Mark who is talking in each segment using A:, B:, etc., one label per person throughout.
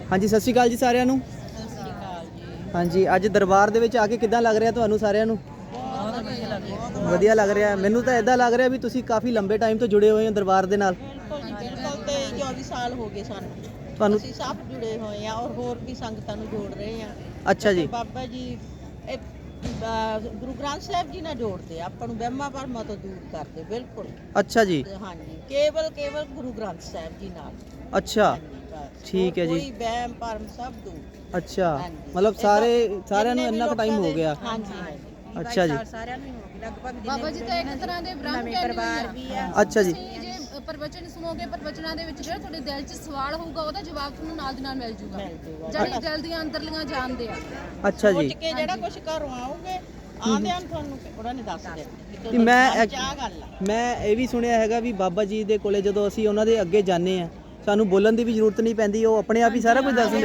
A: ਹਾਂਜੀ ਸਤਿ ਸ਼੍ਰੀ ਅਕਾਲ ਜੀ ਸਾਰਿਆਂ ਨੂੰ।
B: ਸਤਿ ਸ਼੍ਰੀ ਅਕਾਲ ਜੀ।
A: ਹਾਂਜੀ ਅੱਜ ਦਰਬਾਰ ਦੇ ਵਿੱਚ ਆ ਕੇ ਕਿੱਦਾਂ ਲੱਗ ਰਿਹਾ ਤੁਹਾਨੂੰ ਸਾਰਿਆਂ ਨੂੰ?
B: ਬਹੁਤ ਵਧੀਆ ਲੱਗ ਰਿਹਾ।
A: ਵਧੀਆ ਲੱਗ ਰਿਹਾ। ਮੈਨੂੰ ਤਾਂ ਇਦਾਂ ਲੱਗ ਰਿਹਾ ਵੀ ਤੁਸੀਂ ਕਾਫੀ ਲੰਬੇ ਟਾਈਮ ਤੋਂ ਜੁੜੇ ਹੋਏ ਹੋ ਦਰਬਾਰ ਦੇ ਨਾਲ।
B: ਬਿਲਕੁਲ ਜੀ ਬਿਲਕੁਲ। ਤੇ 24 ਸਾਲ ਹੋ ਗਏ ਸਾਨੂੰ
A: ਤੁਹਾਨੂੰ।
B: ਅਸੀਂ ਸਭ ਜੁੜੇ ਹੋਏ ਆ ਔਰ ਹੋਰ ਵੀ ਸੰਗਤਾਂ ਨੂੰ ਜੋੜ ਰਹੇ ਆ।
A: ਅੱਛਾ ਜੀ।
B: ਬਾਬਾ ਜੀ ਇਹ ਗੁਰੂ ਗ੍ਰੰਥ ਸਾਹਿਬ ਜੀ ਨਾਲ ਜੋੜਦੇ ਆ ਆਪਾਂ ਨੂੰ, ਵਹਿਮਾਂ ਭਰਮਾਂ ਤੋਂ ਦੂਰ ਕਰਦੇ ਬਿਲਕੁਲ।
A: ਅੱਛਾ ਜੀ।
B: ਹਾਂਜੀ ਕੇਵਲ ਗੁਰੂ ਗ੍ਰੰਥ ਸਾਹਿਬ ਜੀ ਨਾਲ।
A: ਅੱਛਾ ਠੀਕ ਹੈ ਜੀ।
B: ਕੋਈ ਵਹਿਮ ਭਰਮ ਸਭ ਦੂਰ।
A: ਅੱਛਾ ਮਤਲਬ ਸਾਰਿਆਂ ਨੂੰ ਇੰਨਾ ਕੁ ਟਾਈਮ ਹੋ ਗਿਆ।
B: ਹਾਂਜੀ
A: ਅੱਛਾ ਜੀ।
B: ਸਾਰਿਆਂ ਨੂੰ ਹੋ ਗਿਆ ਲਗਭਗ।
C: ਬਾਬਾ ਜੀ ਤਾਂ ਇੱਕ ਤਰ੍ਹਾਂ ਦੇ ਬ੍ਰਹਮ
B: ਪਰਿਵਾਰ ਵੀ ਆ।
A: ਅੱਛਾ ਜੀ।
C: ਜੇ ਪ੍ਰਵਚਨ ਸੁਣੋਗੇ, ਪ੍ਰਵਚਨਾਂ ਦੇ ਵਿੱਚ ਜਿਹੜਾ ਤੁਹਾਡੇ ਦਿਲ 'ਚ ਸਵਾਲ ਹੋਊਗਾ ਉਹਦਾ ਜਵਾਬ ਤੁਹਾਨੂੰ ਨਾਲ ਦੀ ਨਾਲ ਮਿਲ ਜੂਗਾ। ਜਿਹੜੀ ਦਿਲ ਦੀਆਂ ਅੰਦਰਲੀਆਂ ਜਾਣਦੇ ਆ।
A: ਅੱਛਾ ਜੀ।
B: ਸੋਚ ਕੇ ਜਿਹੜਾ ਕੁਝ ਘਰੋਂ ਆਓਗੇ ਆਂਦਿਆਂ ਤੁਹਾਨੂੰ ਉਹਨਾਂ ਨੇ ਦੱਸ ਦੇਣਾ
A: ਕਿ ਮੈਂ ਇਹ ਵੀ ਸੁਣਿਆ ਹੈਗਾ ਵੀ ਬਾਬਾ ਜੀ ਦੇ ਕੋਲੇ ਜਦੋਂ ਅਸੀਂ ਉਹਨਾਂ ਦੇ ਅੱਗੇ ਜਾਂਦੇ ਆ ਸਾਨੂੰ ਬੋਲਣ ਦੀ ਵੀ ਜ਼ਰੂਰਤ ਨਹੀਂ ਪੈਂਦੀ, ਉਹ ਆਪਣੇ ਆਪ ਹੀ ਸਾਰਾ ਕੁਝ ਦੱਸ ਦਿੰਦੇ।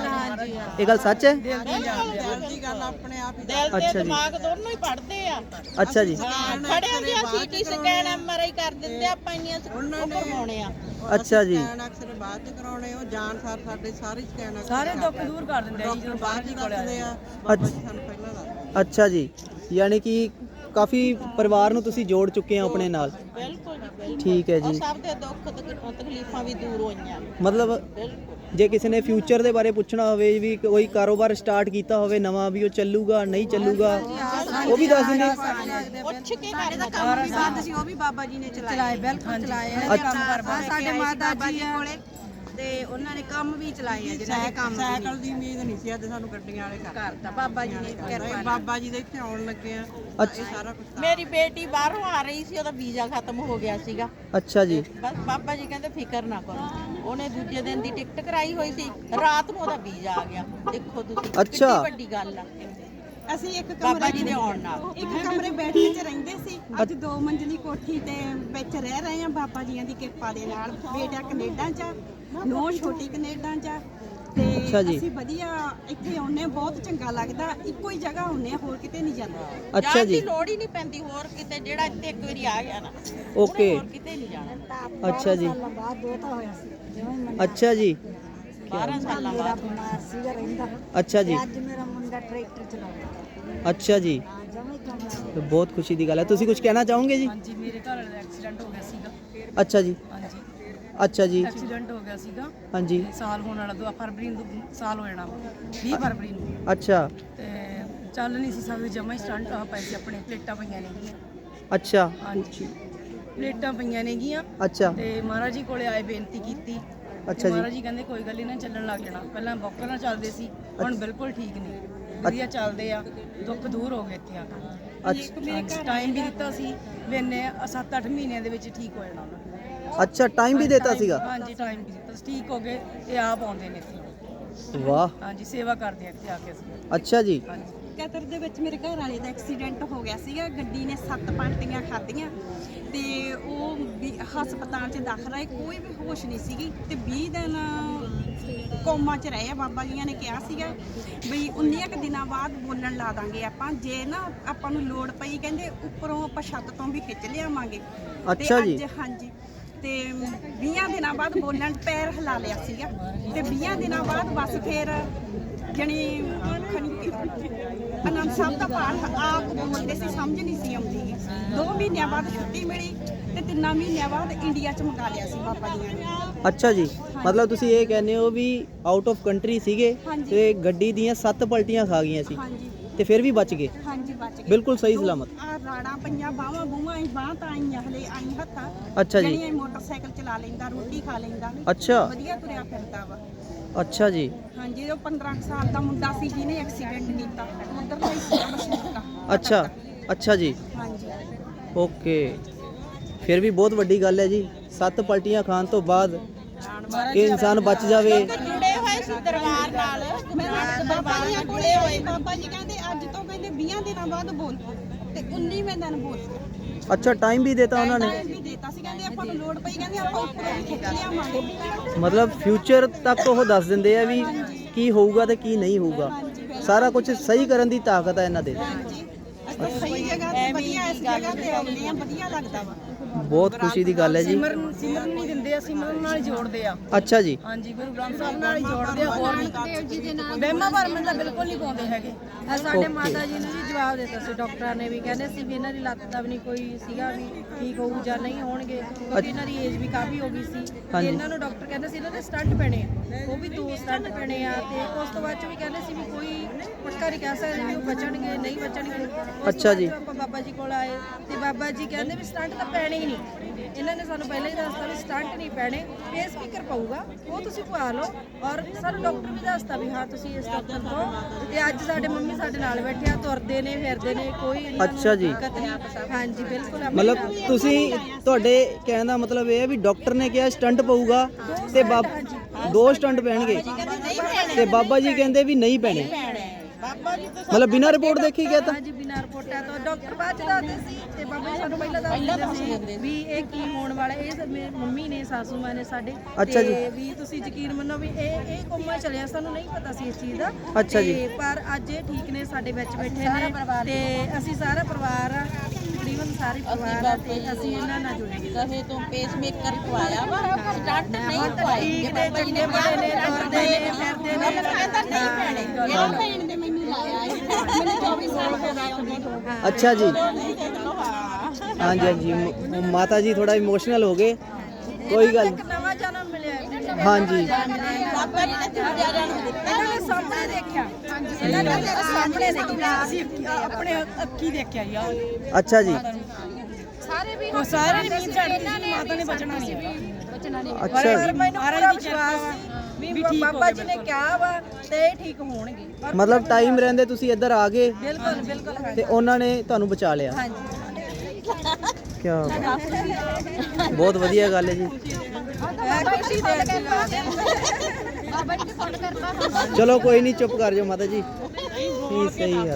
A: ਇਹ ਗੱਲ ਸੱਚ ਹੈ?
B: ਦਿਲ ਦੀ ਗੱਲ ਆਪਣੇ ਆਪ ਹੀ। ਦਿਲ ਤੇ ਦਿਮਾਗ ਦੋਨੋਂ ਹੀ ਪੜਦੇ ਆ।
A: ਅੱਛਾ ਜੀ।
B: ਖੜਿਆਂ ਦੀ ਸੀਟੀ ਸਕੈਨ ਐਮਆਰਆਈ ਕਰ ਦਿੰਦੇ ਆਪਾਂ, ਇੰਨੀਆਂ ਉਹ ਕਰਵਾਉਣੇ ਆ।
A: ਅੱਛਾ ਜੀ।
D: ਅਕਸਰ ਬਾਅਦ ਚ ਕਰਾਉਣੇ, ਉਹ ਜਾਣ ਸਾਰ ਸਾਡੇ ਸਾਰੇ ਸਕੈਨ
E: ਸਾਰੇ ਦੁੱਖ ਦੂਰ ਕਰ ਦਿੰਦੇ ਆ ਜੀ ਜਦੋਂ ਬਾਹਰ ਜੀ ਕੋਲ ਆਉਂਦੇ ਆ।
D: ਬਾਬਾ ਜੀ ਸਾਨੂੰ ਪਹਿਲਾਂ ਦੱਸਦੇ।
A: ਅੱਛਾ ਜੀ। ਯਾਨੀ ਕਿ ਕਾਫੀ ਪਰਿਵਾਰ ਨੂੰ ਤੁਸੀਂ ਜੋੜ ਚੁੱਕੇ ਹੋ ਆਪਣੇ ਨਾਲ।
B: ਬਿਲਕੁਲ ਜੀ ਬਿਲਕੁਲ।
A: ਠੀਕ ਹੈ ਜੀ।
B: ਸਭ ਦੇ ਦੁੱਖ ਤਕਲੀਫਾਂ ਵੀ ਦੂਰ ਹੋਈਆਂ
A: ਮਤਲਬ ਜੇ ਕਿਸੇ ਨੇ ਫਿਊਚਰ ਦੇ ਬਾਰੇ ਪੁੱਛਣਾ ਹੋਵੇ ਵੀ ਕੋਈ ਕਾਰੋਬਾਰ ਸਟਾਰਟ ਕੀਤਾ ਹੋਵੇ ਨਵਾਂ, ਵੀ ਉਹ ਚੱਲੂਗਾ ਨਹੀਂ ਚੱਲੂਗਾ, ਉਹ ਵੀ ਦੱਸ ਦਿੰਦੇ।
B: ਪੁੱਛ ਕੇ ਕਰਨਾ
D: ਕੰਮ ਵੀ ਬੰਦ ਸੀ, ਉਹ ਵੀ ਬਾਬਾ ਜੀ ਨੇ ਚਲਾਏ। ਬਿਲਕੁਲ ਚਲਾਏ ਆ। ਸਾਡੇ ਮਾਤਾ ਜੀ ਕੋਲੇ ਤੇ ਉਹਨਾਂ ਨੇ ਕੰਮ ਵੀ ਚਲਾਏ ਆ। ਜਿਹੜਾ ਕੰਮ ਸਾਈਕਲ ਦੀ ਉਮੀਦ ਨਹੀਂ ਸੀ, ਅੱਜ ਸਾਨੂੰ ਗੱਡੀਆਂ ਵਾਲੇ ਕਰਤਾ ਬਾਬਾ ਜੀ ਨੇ ਕਿਰਪਾ। ਬਾਬਾ ਜੀ ਦੇ ਇੱਥੇ ਆਉਣ ਲੱਗੇ ਆ ਇਹ ਸਾਰਾ ਕੁਝ।
B: ਮੇਰੀ ਬੇਟੀ ਬਾਹਰੋਂ ਆ ਰਹੀ ਸੀ, ਉਹਦਾ ਵੀਜ਼ਾ ਖਤਮ ਹੋ ਗਿਆ ਸੀਗਾ।
A: ਅੱਛਾ ਜੀ।
B: ਬਸ ਬਾਬਾ ਜੀ ਕਹਿੰਦੇ ਫਿਕਰ ਨਾ ਕਰੋ, ਉਹਨੇ ਦੂਜੇ ਦਿਨ ਦੀ ਟਿਕਟ ਕਰਾਈ ਹੋਈ ਸੀ, ਰਾਤ ਨੂੰ ਉਹਦਾ ਵੀਜ਼ਾ ਆ ਗਿਆ। ਦੇਖੋ ਤੁਸੀਂ
A: ਅੱਛਾ।
B: ਕਿੰਨੀ ਵੱਡੀ ਗੱਲ ਆ।
D: ਅਸੀਂ ਇੱਕ
B: ਬਾਬਾ ਜੀ ਦੇ ਆਉਣ ਨਾਲ
D: ਇੱਕ ਕਮਰੇ ਬੈਠੇ 'ਚ ਰਹਿੰਦੇ ਸੀ, ਅੱਜ 2 ਮੰਜ਼ਲੀ ਕੋਠੀ ਤੇ ਵਿੱਚ ਰਹਿ ਰਹੇ ਆ ਬਾਬਾ ਜੀਆਂ ਦੀ ਕਿਰਪਾ ਦੇ ਨਾਲ। ਬੇਟਾ ਕੈਨੇਡਾ 'ਚ, ਨੋ ਛੋਟੀ ਕੈਨੇਡਾ 'ਚ ਤੇ ਅਸੀਂ ਵਧੀਆ ਇੱਥੇ ਆਉਨੇ, ਬਹੁਤ ਚੰਗਾ ਲੱਗਦਾ। ਇੱਕੋ ਹੀ ਜਗ੍ਹਾ ਆਉਨੇ, ਹੋਰ ਕਿਤੇ ਨਹੀਂ ਜਾਂਦੇ।
A: ਅੱਛਾ ਜੀ।
B: ਲੋੜ ਹੀ ਨਹੀਂ ਪੈਂਦੀ ਹੋਰ ਕਿਤੇ, ਜਿਹੜਾ ਇੱਥੇ ਇੱਕ ਵਾਰੀ ਆ ਗਿਆ ਨਾ
A: ਓਕੇ।
B: ਹੋਰ ਕਿਤੇ ਨਹੀਂ ਜਾਣਾ।
A: ਅੱਛਾ ਜੀ।
D: ਬਾਅਦ ਦੋਤਾ ਹੋਇਆ ਸੀ।
A: ਅੱਛਾ ਜੀ।
B: 12 ਸਾਲਾਂ ਬਾਅਦ।
D: ਬਿਮਾਰ ਸੀਗਾ ਰਹਿੰਦਾ।
A: ਅੱਛਾ ਜੀ।
D: ਅੱਜ ਮੇਰਾ ਮੁੰਡਾ ਟਰੈਕਟਰ ਚਲਾਉਂਦਾ।
A: ਅੱਛਾ ਜੀ। ਬਹੁਤ ਖੁਸ਼ੀ ਦੀ ਗੱਲ ਹੈ। ਤੁਸੀਂ ਕੁਝ ਕਹਿਣਾ ਚਾਹੋਗੇ ਜੀ?
E: ਹਾਂਜੀ ਮੇਰੇ ਘਰ ਵਾਲੇ ਦਾ ਐਕਸੀਡੈਂਟ ਹੋ ਗਿਆ ਸੀਗਾ।
A: ਅੱਛਾ ਜੀ।
E: ਹਾਂਜੀ
A: ਅੱਛਾ ਜੀ।
E: ਐਕਸੀਡੈਂਟ ਹੋ ਗਿਆ ਸੀਗਾ।
A: ਹਾਂਜੀ।
E: ਸਾਲ ਹੋਣ ਵਾਲਾ 2 ਫਰਵਰੀ ਨੂੰ ਸਾਲ ਹੋ ਜਾਣਾ, 20 ਫਰਵਰੀ ਨੂੰ।
A: ਅੱਛਾ।
E: ਤੇ ਚੱਲ ਨਹੀਂ ਸੀ ਸਕਦੇ, ਜਮਾ ਹੀ ਸਟੰਟ ਆ ਪਏ ਸੀ ਆਪਣੇ। ਪਲੇਟਾਂ ਪਈਆਂ ਨੇਗੀਆਂ।
A: ਅੱਛਾ।
E: ਹਾਂਜੀ ਪਲੇਟਾਂ ਪਈਆਂ ਨੇਗੀਆਂ।
A: ਅੱਛਾ।
E: ਤੇ ਮਹਾਰਾਜ ਜੀ ਕੋਲੇ ਆਏ, ਬੇਨਤੀ ਕੀਤੀ।
A: ਅੱਛਾ ਜੀ।
E: ਮਹਾਰਾਜ ਜੀ ਕਹਿੰਦੇ ਕੋਈ ਗੱਲ ਨਹੀਂ, ਚੱਲਣ ਲੱਗ ਜਾਣਾ। ਪਹਿਲਾਂ ਬੌਕਰ ਨਾਲ ਚੱਲਦੇ ਸੀ, ਹੁਣ ਬਿਲਕੁਲ ਠੀਕ ਨੇ, ਵਧੀਆ ਚੱਲਦੇ ਆ। ਦੁੱਖ ਦੂਰ ਹੋ ਗਏ ਇੱਥੇ ਆ ਕੇ। ਟਾਈਮ ਵੀ ਦਿੱਤਾ ਸੀ ਵੀ ਇੰਨੇ 7-8 ਮਹੀਨਿਆਂ ਦੇ ਵਿੱਚ ਠੀਕ ਹੋ ਜਾਣਾ ਉਹਨਾਂ ਨੇ।
A: ਅੱਛਾ ਟਾਈਮ ਵੀ ਦਿੱਤਾ ਸੀਗਾ।
E: ਹਾਂਜੀ ਟਾਈਮ ਵੀ ਦਿੱਤਾ ਸੀ, ਠੀਕ ਹੋ ਗਏ। ਇਹ ਆਪ ਆਉਂਦੇ ਨੇ ਇੱਥੇ।
A: ਵਾਹ।
E: ਹਾਂਜੀ ਸੇਵਾ ਕਰਦੇ ਆ ਇੱਥੇ ਆ ਕੇ ਅਸੀਂ।
A: ਅੱਛਾ ਜੀ।
E: ਹਾਂਜੀ
D: ਕਤਰ ਦੇ ਵਿੱਚ ਮੇਰੇ ਘਰ ਵਾਲੇ ਦਾ ਐਕਸੀਡੈਂਟ ਹੋ ਗਿਆ ਸੀਗਾ। ਗੱਡੀ ਨੇ 7 ਪਾਲਟੀਆਂ ਖਾਧੀਆਂ ਤੇ ਉਹ ਵੀ ਹਸਪਤਾਲ 'ਚ ਦਾਖਲ ਹੈ। ਕੋਈ ਵੀ ਹੋਸ਼ ਨਹੀਂ ਸੀਗੀ ਤੇ 20 ਦਿਨ ਕੋਮਾ 'ਚ ਰਹੇ ਆ। ਬਾਬਾ ਜੀਆਂ ਨੇ ਕਿਹਾ ਸੀਗਾ ਬਈ 19 ਕੁ ਦਿਨਾਂ ਬਾਅਦ ਬੋਲਣ ਲਾ ਦਾਂਗੇ ਆਪਾਂ, ਜੇ ਨਾ ਆਪਾਂ ਨੂੰ ਲੋੜ ਪਈ ਕਹਿੰਦੇ ਉੱਪਰੋਂ ਆਪਾਂ ਛੱਤ ਤੋਂ ਵੀ ਖਿੱਚ ਲਿਆਵਾਂਗੇ।
A: ਅੱਛਾ ਜੀ।
D: ਹਾਂਜੀ ਤੇ 20 ਦਿਨਾਂ ਬਾਅਦ ਬੋਲਣ, ਪੈਰ ਹਿਲਾ ਲਿਆ ਸੀਗਾ ਤੇ 20 ਦਿਨਾਂ ਬਾਅਦ ਬਸ ਫਿਰ ਜਣੀ ਆਨੰਦ ਸਾਹਿਬ ਦਾ ਪਾਠ ਆਪ ਬੋਲਦੇ ਸੀ, ਸਮਝ ਨਹੀਂ ਸੀ ਆਉਂਦੀ। 2 ਮਹੀਨਿਆਂ ਬਾਅਦ ਛੁੱਟੀ ਮਿਲੀ ਤੇ 3 ਮਹੀਨਿਆਂ ਬਾਅਦ ਇੰਡੀਆ 'ਚ ਮੰਗਾ ਲਿਆ ਸੀ ਬਾਬਾ ਜੀ ਨੇ।
A: ਅੱਛਾ ਜੀ। ਮਤਲਬ ਤੁਸੀਂ ਇਹ ਕਹਿੰਦੇ ਹੋ ਵੀ ਆਊਟ ਆਫ ਕੰਟਰੀ ਸੀਗੇ ਤੇ ਗੱਡੀ ਦੀਆਂ 7 ਪਲਟੀਆਂ ਖਾ ਗਈਆਂ ਸੀ ਤੇ ਫਿਰ ਵੀ ਬਚ ਗਏ।
D: ਹਾਂਜੀ ਬਚ ਗਏ
A: ਬਿਲਕੁਲ ਸਹੀ ਸਲਾਮਤ।
D: ਆ ਰਾੜਾਂ ਪਈਆਂ, ਬਾਹਾਂ ਬੂਹਾਂ ਬਾਹਾਂ ਤਾਂ ਆਈਆਂ, ਹਲੇ ਆਈ ਹੱਥਾਂ।
A: ਅੱਛਾ ਜੀ।
D: ਜਿਹੜੀਆਂ ਮੋਟਰਸਾਈਕਲ ਚਲਾ ਲੈਂਦਾ, ਰੋਟੀ ਖਾ ਲੈਂਦਾ,
A: ਅੱਛਾ
D: ਵਧੀਆ ਤੁਰਿਆ ਫਿਰਦਾ ਵਾ।
A: ਅੱਛਾ ਜੀ।
D: ਹਾਂਜੀ ਉਹ 15 ਸਾਲ ਦਾ ਮੁੰਡਾ ਸੀ ਜਿਹਨੇ ਐਕਸੀਡੈਂਟ ਕੀਤਾ, ਉਧਰ ਦਾ ਹੀ ਸੀ ਮਸ਼ਹੂਰ।
A: ਅੱਛਾ। ਅੱਛਾ ਜੀ।
D: ਹਾਂਜੀ
A: ਓਕੇ। ਫਿਰ ਵੀ ਬਹੁਤ ਵੱਡੀ ਗੱਲ ਹੈ ਜੀ। 7 ਪਲਟੀਆਂ ਖਾਣ ਤੋਂ ਬਾਅਦ ਇਹ ਇਨਸਾਨ ਬਚ ਜਾਵੇ।
B: ਜੁੜੇ ਹੋਏ ਸੀ ਦਰਬਾਰ ਨਾਲ।
D: ਬਾਬਾ ਜੀ ਜੁੜੇ ਹੋਏ। ਬਾਬਾ ਜੀ ਕਹਿੰਦੇ ਅੱਜ ਤੋਂ ਕਹਿੰਦੇ 20 ਦਿਨਾਂ ਬਾਅਦ ਬੋਲ ਤੇ 19ਵੇਂ ਦਿਨ ਬੋਲ।
A: ਅੱਛਾ ਟਾਈਮ ਵੀ ਦਿੱਤਾ ਉਹਨਾਂ ਨੇ।
D: ਟਾਈਮ ਵੀ ਦਿੱਤਾ ਸੀ, ਕਹਿੰਦੇ ਆਪਾਂ ਨੂੰ ਲੋੜ ਪਈ ਕਹਿੰਦੇ ਆਪਾਂ ਉੱਪਰੋਂ ਵੀ ਖਿੱਚ ਲਿਆਵਾਂਗੇ।
A: ਮਤਲਬ ਫਿਊਚਰ ਤੱਕ ਉਹ ਦੱਸ ਦਿੰਦੇ ਆ ਵੀ ਕੀ ਹੋਊਗਾ ਤੇ ਕੀ ਨਹੀਂ ਹੋਊਗਾ। ਸਾਰਾ ਕੁਝ ਸਹੀ ਕਰਨ ਦੀ ਤਾਕਤ ਹੈ ਇਹਨਾਂ ਦੇ।
D: ਹਾਂਜੀ ਅਸੀਂ ਸਹੀ ਜਗ੍ਹਾ ਤੇ ਵਧੀਆ, ਇਸ ਜਗ੍ਹਾ ਤੇ ਆਉਂਦੇ ਆ, ਵਧੀਆ ਲੱਗਦਾ ਵਾ।
A: ਬਹੁਤ ਖੁਸ਼ੀ ਦੀ ਗੱਲ ਹੈ ਜੀ।
E: ਸਿਮਰਨ ਨਹੀਂ ਦਿੰਦੇ ਆ, ਸਿਮਰਨ ਨਾਲ ਹੀ ਜੋੜਦੇ ਆ।
A: ਅੱਛਾ ਜੀ।
E: ਹਾਂਜੀ, ਗੁਰੂ ਗ੍ਰੰਥ ਸਾਹਿਬ ਨਾਲ ਹੀ ਜੋੜਦੇ ਆ, ਹੋਰ ਨਹੀਂ।
C: ਦੇਵ ਜੀ ਦੇ ਨਾਲ
E: ਵਹਿਮਾਂ ਭਰਮਾਂ ਤਾਂ ਬਿਲਕੁਲ ਨਹੀਂ ਪਾਉਂਦੇ ਹੈਗੇ।
F: ਸਾਡੇ ਮਾਤਾ ਜੀ ਨੇ ਵੀ ਜਵਾਬ ਦਿੱਤਾ ਸੀ, ਡਾਕਟਰਾਂ ਨੇ ਵੀ ਕਹਿੰਦੇ ਸੀ ਵੀ ਇਹਨਾਂ ਦੀ ਲੱਤ ਦਾ ਵੀ ਨਹੀਂ ਕੋਈ ਸੀਗਾ ਵੀ ਠੀਕ ਹੋਊ ਜਾਂ ਨਹੀਂ ਹੋਣਗੇ, ਕਿਉਂਕਿ ਇਹਨਾਂ ਦੀ ਏਜ ਵੀ ਕਾਫੀ ਹੋ ਗਈ ਸੀ ਤੇ ਇਹਨਾਂ ਨੂੰ ਡਾਕਟਰ ਕਹਿੰਦੇ ਸੀ ਇਹਨਾਂ ਦੇ ਸਟੰਟ ਪੈਣੇ ਆ, ਉਹ ਵੀ 2 ਸਟੰਟ ਪੈਣੇ ਆ ਤੇ ਉਸ ਤੋਂ ਬਾਅਦ ਚ ਵੀ ਕਹਿੰਦੇ ਸੀ ਵੀ ਕੋਈ ਪੱਕਾ ਨਹੀਂ ਕਹਿ ਸਕਦੇ ਵੀ ਉਹ ਬਚਣਗੇ ਨਹੀਂ ਬਚਣਗੇ।
A: ਅੱਛਾ ਜੀ।
F: ਆਪਾਂ ਬਾਬਾ ਜੀ ਕੋਲ ਆਏ ਤੇ ਬਾਬਾ ਜੀ ਕਹਿੰਦੇ ਵੀ ਸਟੰਟ ਤਾਂ ਪੈਣੇ ਹੀ ਨਹੀਂ। ਇਹਨਾਂ ਨੇ ਸਾਨੂੰ ਪਹਿਲਾਂ ਹੀ ਦੱਸਤਾ ਵੀ ਸਟੰਟ ਨਹੀਂ ਪੈਣੇ, ਇਹ ਸਪੀਕਰ ਪਊਗਾ ਉਹ ਤੁਸੀਂ ਪਵਾ ਲਓ। ਔਰ ਸਾਨੂੰ ਡਾਕਟਰ ਵੀ ਦੱਸਤਾ ਵੀ ਹਾਂ ਤੁਸੀਂ ਇਸ ਡਾਕਟਰ ਤੋਂ। ਤੇ ਅੱਜ ਸਾਡੇ ਮੰਮੀ ਸਾਡੇ ਨਾਲ ਬੈਠੇ ਆ, ਤੁਰਦੇ ਨੇ ਫਿਰਦੇ ਨੇ, ਕੋਈ ਇਹਨਾਂ ਨੂੰ
A: ਅੱਛਾ ਜੀ।
F: ਦਿੱਕਤ ਨਹੀਂ। ਹਾਂਜੀ ਬਿਲਕੁਲ।
A: ਮਤਲਬ ਤੁਸੀਂ ਤੁਹਾਡੇ ਕਹਿਣ ਦਾ ਮਤਲਬ ਇਹ ਹੈ ਵੀ ਡਾਕਟਰ ਨੇ ਕਿਹਾ ਸਟੰਟ ਪਊਗਾ ਤੇ 2 ਸਟੰਟ ਪੈਣਗੇ ਤੇ ਬਾਬਾ ਜੀ ਕਹਿੰਦੇ ਵੀ ਨਹੀਂ ਪੈਣੇ।
B: ਬਾਬਾ ਜੀ ਤਾਂ
A: ਮਤਲਬ ਬਿਨਾਂ ਰਿਪੋਰਟ ਦੇਖੀ ਗਿਆ ਤਾਂ
F: ਹਾਂਜੀ ਬਿਨਾਂ ਰਿਪੋਰਟਾਂ ਤੋਂ ਡਾਕਟਰ ਬਾਅਦ ਚ ਦੱਸਦੇ ਸੀ ਤੇ ਬਾਬਾ ਜੀ ਸਾਨੂੰ ਪਹਿਲਾਂ ਦੱਸਦੇ ਸੀ ਵੀ ਇਹ ਕੀ ਹੋਣ ਵਾਲਾ। ਇਹ ਸਭ ਮੇਰੀ ਮੰਮੀ ਨੇ, ਸਾਸੂ ਮਾਂ ਨੇ ਸਾਡੇ।
A: ਅੱਛਾ ਜੀ।
F: ਤੇ ਵੀ ਤੁਸੀਂ ਯਕੀਨ ਮੰਨੋ ਵੀ ਇਹ ਕੋਮਾ ਚਲਿਆ, ਸਾਨੂੰ ਨਹੀਂ ਪਤਾ ਸੀ ਇਸ ਚੀਜ਼ ਦਾ।
A: ਅੱਛਾ ਜੀ।
F: ਤੇ ਪਰ ਅੱਜ ਇਹ ਠੀਕ ਨੇ, ਸਾਡੇ ਵਿੱਚ ਬੈਠੇ ਨੇ ਤੇ ਅਸੀਂ ਸਾਰਾ ਪਰਿਵਾਰ ਆ, ਤਕਰੀਬਨ ਸਾਰੇ ਪਰਿਵਾਰ ਆ ਤੇ ਅਸੀਂ ਇਹਨਾਂ ਨਾਲ ਜੁੜੇ ਹਾਂ।
B: ਕਹੇ ਤੋਂ ਪੇਸ ਮੇਕਰ ਪਵਾਇਆ ਵਾ, ਸਟੰਟ ਨਹੀਂ ਪਵਾਈ।
F: ਠੀਕ ਨੇ, ਚੰਗੇ ਬੜੇ ਨੇ, ਤੁਰਦੇ ਨੇ, ਫਿਰਦੇ ਨੇ।
B: ਕਹਿੰਦਾ ਨਹੀਂ ਪੈਣੇ। ਇਹ ਭੈਣ ਦੇ ਮੈਨੂੰ ਲਾਇਆ ਮੈਨੂੰ 24 ਸਾਲ ਹੋ ਗਏ।
A: ਅੱਛਾ ਜੀ। ਹਾਂਜੀ ਹਾਂਜੀ, ਮਾਤਾ ਜੀ ਥੋੜਾ ਇਮੋਸ਼ਨਲ ਹੋ ਗਏ, ਕੋਈ ਗੱਲ
F: ਇੱਕ ਨਵਾਂ ਜਨਮ ਮਿਲਿਆ ਹੈ।
A: ਹਾਂਜੀ।
B: ਬਾਬਾ ਜੀ ਨੇ ਦੂਜਾ ਜਨਮ ਦਿੱਤਾ।
F: ਇਹਨਾਂ ਨੇ ਸਾਹਮਣੇ ਦੇਖਿਆ, ਇਹਨਾਂ ਨੇ ਸਾਹਮਣੇ ਦੇਖਿਆ, ਅਸੀਂ ਆਪਣੇ ਅੱਖੀ ਦੇਖਿਆ ਯਾਰ।
A: ਅੱਛਾ ਜੀ।
C: ਸਾਰੇ ਵੀ
E: ਉਹ ਸਾਰੇ ਨੇ ਮੀਂਹ ਝੜਦੀ ਸੀ, ਮਾਤਾ ਨੇ ਬਚਣਾ ਨਹੀਂ ਹੈਗਾ।
C: ਬਚਣਾ ਨਹੀਂ।
A: ਅੱਛਾ ਜੀ।
F: ਪਰ ਮੈਨੂੰ ਪੂਰਾ ਵਿਸ਼ਵਾਸ ਸੀ ਵੀ ਬਾਬਾ ਜੀ ਨੇ ਕਿਹਾ ਵਾ ਤੇ ਇਹ ਠੀਕ ਹੋਣਗੇ। ਪਰ
A: ਮਤਲਬ ਟਾਈਮ ਰਹਿੰਦੇ ਤੁਸੀਂ ਇੱਧਰ ਆ ਗਏ
F: ਬਿਲਕੁਲ ਬਿਲਕੁਲ ਹੈ।
A: ਤੇ ਉਹਨਾਂ ਨੇ ਤੁਹਾਨੂੰ ਬਚਾ ਲਿਆ।
F: ਹਾਂਜੀ
A: ਕੀ ਬਹੁਤ ਵਧੀਆ ਗੱਲ ਹੈ ਜੀ।
F: ਖੁਸ਼ੀ ਦੇ
C: ਬਾਬਾ ਜੀ ਨੇ ਫੋਨ ਕਰਤਾ।
A: ਚਲੋ ਕੋਈ ਨਹੀਂ, ਚੁੱਪ ਕਰ ਜਾਓ ਮਾਤਾ ਜੀ। ਠੀਕ, ਸਹੀ ਗੱਲ।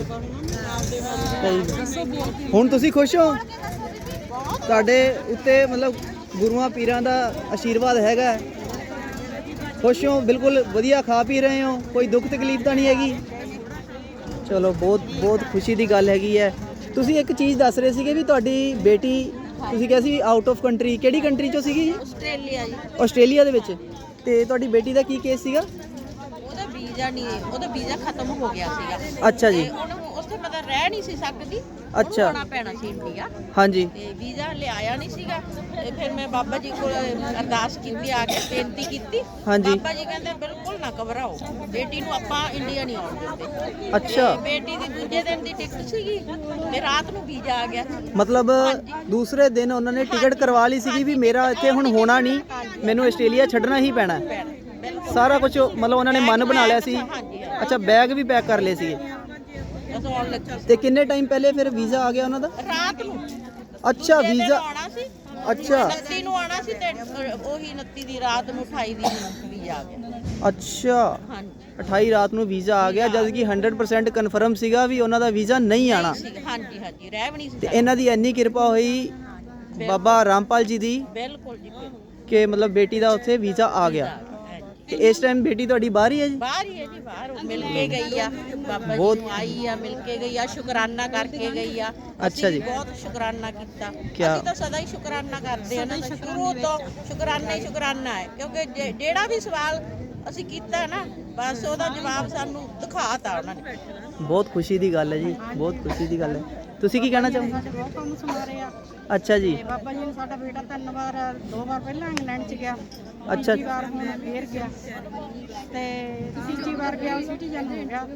A: ਸਹੀ। ਹੁਣ ਤੁਸੀਂ ਖੁਸ਼ ਹੋ? ਤੁਹਾਡੇ ਉੱਤੇ ਮਤਲਬ ਗੁਰੂਆਂ ਪੀਰਾਂ ਦਾ ਆਸ਼ੀਰਵਾਦ ਹੈਗਾ? ਖੁਸ਼ ਹੋ? ਬਿਲਕੁਲ ਵਧੀਆ ਖਾ ਪੀ ਰਹੇ ਹੋ? ਕੋਈ ਦੁੱਖ ਤਕਲੀਫ ਤਾਂ ਨਹੀਂ ਹੈਗੀ? ਚਲੋ ਬਹੁਤ ਬਹੁਤ ਖੁਸ਼ੀ ਦੀ ਗੱਲ ਹੈਗੀ ਹੈ। ਤੁਸੀਂ ਇੱਕ ਚੀਜ਼ ਦੱਸ ਰਹੇ ਸੀਗੇ ਵੀ ਤੁਹਾਡੀ ਬੇਟੀ, ਤੁਸੀਂ ਕਿਹਾ ਸੀ ਆਊਟ ਆਫ ਕੰਟਰੀ, ਕਿਹੜੀ ਕੰਟਰੀ ਚੋਂ ਸੀਗੀ ਜੀ?
B: ਆਸਟ੍ਰੇਲੀਆ ਜੀ।
A: ਆਸਟ੍ਰੇਲੀਆ ਦੇ ਵਿੱਚ। ਤੇ ਤੁਹਾਡੀ ਬੇਟੀ ਦਾ ਕੀ ਕੇਸ ਸੀਗਾ?
B: ਉਹਦਾ ਵੀਜ਼ਾ ਨਹੀਂ, ਉਹਦਾ ਵੀਜ਼ਾ ਖਤਮ ਹੋ ਗਿਆ ਸੀਗਾ।
A: ਅੱਛਾ ਜੀ।
B: ਤੇ ਉਹਨੂੰ ਉੱਥੇ ਮਤਲਬ ਰਹਿ ਨਹੀਂ ਸੀ ਸਕਦੀ।
A: ਅੱਛਾ।
B: ਆਉਣਾ ਪੈਣਾ ਸੀ ਇੰਡੀਆ
A: ਹਾਂਜੀ।
B: ਤੇ ਵੀਜ਼ਾ ਲਿਆਇਆ ਨਹੀਂ ਸੀਗਾ। ਤੇ ਫਿਰ ਮੈਂ ਬਾਬਾ ਜੀ ਕੋਲ ਅਰਦਾਸ ਕੀਤੀ, ਆ ਕੇ ਬੇਨਤੀ ਕੀਤੀ।
A: ਹਾਂਜੀ।
B: ਬਾਬਾ ਜੀ ਕਹਿੰਦੇ ਬਿਲਕੁਲ ਨਾ ਘਬਰਾਓ, ਬੇਟੀ ਨੂੰ ਆਪਾਂ ਇੰਡੀਆ ਨਹੀਂ ਆਉਣ ਦਿੰਦੇ।
A: ਅੱਛਾ।
B: ਤੇ ਬੇਟੀ ਦੀ ਦੂਜੇ ਦਿਨ ਦੀ ਟਿਕਟ ਸੀਗੀ ਤੇ ਰਾਤ ਨੂੰ ਵੀਜ਼ਾ ਆ ਗਿਆ।
A: ਮਤਲਬ ਦੂਸਰੇ ਦਿਨ ਉਹਨਾਂ ਨੇ ਟਿਕਟ ਕਰਵਾ ਲਈ ਸੀਗੀ ਵੀ ਮੇਰਾ ਇੱਥੇ ਹੁਣ ਹੋਣਾ ਨਹੀਂ, ਮੈਨੂੰ ਆਸਟ੍ਰੇਲੀਆ ਛੱਡਣਾ ਹੀ ਪੈਣਾ। ਸਾਰਾ ਕੁਝ ਮਤਲਬ ਉਹਨਾਂ ਨੇ ਮਨ ਬਣਾ ਲਿਆ ਸੀ। ਅੱਛਾ, ਬੈਗ ਵੀ ਪੈਕ ਕਰ ਲਏ ਸੀਗੇ।
B: ਬਸ ਆਉਣ ਲੱਗੀ
A: ਤੇ ਕਿੰਨੇ ਟਾਈਮ ਪਹਿਲੇ ਫਿਰ ਵੀਜ਼ਾ ਆ ਗਿਆ ਉਹਨਾਂ ਦਾ?
B: ਰਾਤ ਨੂੰ।
A: ਅੱਛਾ,
B: ਦੂਜੇ ਦਿਨ
A: ਵੀਜ਼ਾ।
B: ਆਉਣਾ ਸੀ।
A: ਅੱਛਾ
B: 29 ਨੂੰ ਆਉਣਾ ਸੀ ਤੇ ਉਹੀ 29 ਦੀ ਰਾਤ ਨੂੰ 28 ਦੀ ਵੀਜ਼ਾ ਆ ਗਿਆ।
A: ਅੱਛਾ,
B: ਹਾਂਜੀ
A: 28 ਰਾਤ ਨੂੰ ਵੀਜ਼ਾ ਆ ਗਿਆ, ਜਦ ਕਿ 100% ਕਨਫਰਮ ਸੀਗਾ ਵੀ ਉਹਨਾਂ ਦਾ ਵੀਜ਼ਾ ਨਹੀਂ ਆਣਾ।
B: ਹਾਂਜੀ ਹਾਂਜੀ, ਰਹਿ ਵੀ ਨਹੀਂ ਸੀ
A: ਤੇ ਇਹਨਾਂ ਦੀ ਇੰਨੀ ਕਿਰਪਾ ਹੋਈ ਬਾਬਾ ਰਾਮਪਾਲ ਜੀ ਦੀ
B: ਬਿਲਕੁਲ ਜੀ, ਬਿਲਕੁਲ।
A: ਕਿ ਮਤਲਬ ਬੇਟੀ ਦਾ ਉੱਥੇ ਵੀਜ਼ਾ ਆ ਗਿਆ। ਤੇ ਇਸ ਟਾਈਮ ਬੇਟੀ ਤੁਹਾਡੀ ਬਾਹਰ ਹੀ ਹੈ ਜੀ?
B: ਬਾਹਰ ਹੀ ਹੈ ਜੀ, ਬਾਹਰ ਉਹ ਮਿਲ ਕੇ ਗਈ ਆ ਬਾਬਾ ਜੀ ਨੂੰ, ਆਈ ਆ ਮਿਲ ਕੇ ਗਈ ਆ, ਸ਼ੁਕਰਾਨਾ ਕਰਕੇ ਗਈ ਆ।
A: ਅੱਛਾ ਜੀ।
B: ਬਹੁਤ ਸ਼ੁਕਰਾਨਾ ਕੀਤਾ।
A: ਕਿਆ?
B: ਅਸੀਂ ਤਾਂ ਸਦਾ ਹੀ ਸ਼ੁਕਰਾਨਾ ਕਰਦੇ ਆ ਨਾ, ਸ਼ੁਰੂ ਤੋਂ ਸ਼ੁਕਰਾਨਾ ਹੀ ਸ਼ੁਕਰਾਨਾ ਹੈ। ਕਿਉਂਕਿ ਜਿਹੜਾ ਵੀ ਸਵਾਲ ਅਸੀਂ ਕੀਤਾ ਨਾ, ਬਸ ਉਹਦਾ ਜਵਾਬ ਸਾਨੂੰ ਦਿਖਾਤਾ ਉਹਨਾਂ ਨੇ।
A: ਬਹੁਤ ਖੁਸ਼ੀ ਦੀ ਗੱਲ ਹੈ ਜੀ, ਬਹੁਤ ਖੁਸ਼ੀ ਦੀ ਗੱਲ ਹੈ। ਤੁਸੀਂ ਕੀ ਕਹਿਣਾ ਚਾਹੋਗੇ?
E: ਸਾਡੇ ਬਹੁਤ ਕੰਮ ਸਮਾਰੇ ਆ।
A: ਅੱਛਾ ਜੀ।
E: ਤੇ ਬਾਬਾ ਜੀ ਨੇ ਸਾਡਾ ਬੇਟਾ 3 ਵਾਰ 2 ਵਾਰ ਪਹਿਲਾਂ ਇੰਗਲੈਂਡ ਚ ਗਿਆ,
A: ਅੱਛਾ।
E: ਤੀਜੀ ਵਾਰ ਹੁਣ ਫੇਰ ਗਿਆ ਤੇ ਤੀਜੀ ਵਾਰ ਗਿਆ ਸਿਟੀਜ਼ਨ ਹੋ ਗਿਆ।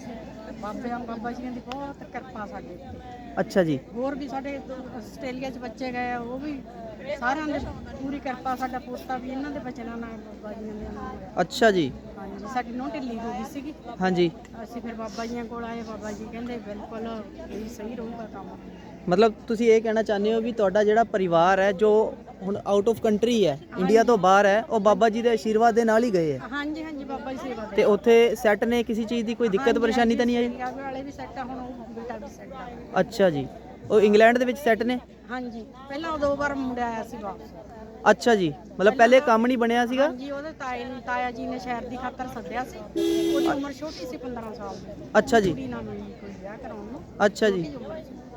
E: ਬਾਬਾ ਜੀ ਦੀ ਬਹੁਤ ਕਿਰਪਾ ਸਾਡੇ ਉੱਤੇ।
A: ਅੱਛਾ ਜੀ।
E: ਹੋਰ ਵੀ ਸਾਡੇ ਆਸਟ੍ਰੇਲੀਆ ਚ ਬੱਚੇ ਗਏ ਆ, ਉਹ ਵੀ ਸਾਰਿਆਂ ਦੀ ਪੂਰੀ ਕਿਰਪਾ। ਸਾਡਾ ਪੋਤਾ ਵੀ ਇਹਨਾਂ ਦੇ ਬਚਨਾਂ ਨਾਲ ਬਾਬਾ ਜੀ ਦੇ ਨਾਲ ਹੋਇਆ।
A: ਅੱਛਾ ਜੀ।
E: ਹਾਂਜੀ, ਸਾਡੀ ਨੋਹ ਢਿੱਲੀ ਹੋ ਗਈ ਸੀਗੀ।
A: ਹਾਂਜੀ।
E: ਅਸੀਂ ਫਿਰ ਬਾਬਾ ਜੀਆਂ ਕੋਲ ਆਏ, ਬਾਬਾ ਜੀ ਕਹਿੰਦੇ ਬਿਲਕੁਲ ਇਹ ਸਹੀ ਰਹੂਗਾ ਕੰਮ।
A: ਮਤਲਬ ਤੁਸੀਂ ਇਹ ਕਹਿਣਾ ਚਾਹੁੰਦੇ ਹੋ ਵੀ ਤੁਹਾਡਾ ਜਿਹੜਾ ਪਰਿਵਾਰ ਹੈ ਜੋ ਹੁਣ ਆਊਟ ਆਫ ਕੰਟਰੀ ਹੈ, ਇੰਡੀਆ ਤੋਂ ਬਾਹਰ ਹੈ, ਉਹ ਬਾਬਾ ਜੀ ਦੇ ਆਸ਼ੀਰਵਾਦ ਦੇ ਨਾਲ ਹੀ ਗਏ ਹੈ?
E: ਹਾਂਜੀ ਹਾਂਜੀ, ਬਾਬਾ ਜੀ ਸੇਵਾ ਦੇ।
A: ਤੇ ਉੱਥੇ ਸੈੱਟ ਨੇ, ਕਿਸੇ ਚੀਜ਼ ਦੀ ਕੋਈ ਦਿੱਕਤ ਪਰੇਸ਼ਾਨੀ ਤਾਂ ਨਹੀਂ ਆਈ?
E: ਪੰਜਾਬ ਵਾਲੇ ਵੀ ਸੈੱਟ ਆ, ਹੁਣ ਉਹ ਬੇਟਾ ਵੀ ਸੈੱਟ ਆ।
A: ਅੱਛਾ ਜੀ। ਉਹ ਇੰਗਲੈਂਡ ਦੇ ਵਿੱਚ ਸੈੱਟ ਨੇ?
E: ਹਾਂਜੀ, ਪਹਿਲਾਂ ਉਹ 2 ਵਾਰ ਮੁੰਡਾ ਆਇਆ ਸੀ ਵਾਪਸ।
A: ਅੱਛਾ ਜੀ। ਮਤਲਬ ਪਹਿਲੇ ਕੰਮ ਨਹੀਂ ਬਣਿਆ ਸੀਗਾ?
E: ਹਾਂਜੀ, ਉਹਦੇ ਤਾਇਆ ਜੀ ਨੇ ਸ਼ਹਿਰ ਦੀ ਖਾਤਰ ਸੱਦਿਆ ਸੀ। ਉਹਦੀ ਉਮਰ ਛੋਟੀ ਸੀ, 15 ਸਾਲ ਦੀ।
A: ਅੱਛਾ ਜੀ।
E: ਕੁੜੀ ਨਾਲ ਮਿਲੀ ਕੋਈ ਵਿਆਹ ਕਰਾਉਣ ਨੂੰ।
A: ਅੱਛਾ ਜੀ।
E: ਛੋਟੀ ਉਮਰ ਸੀ।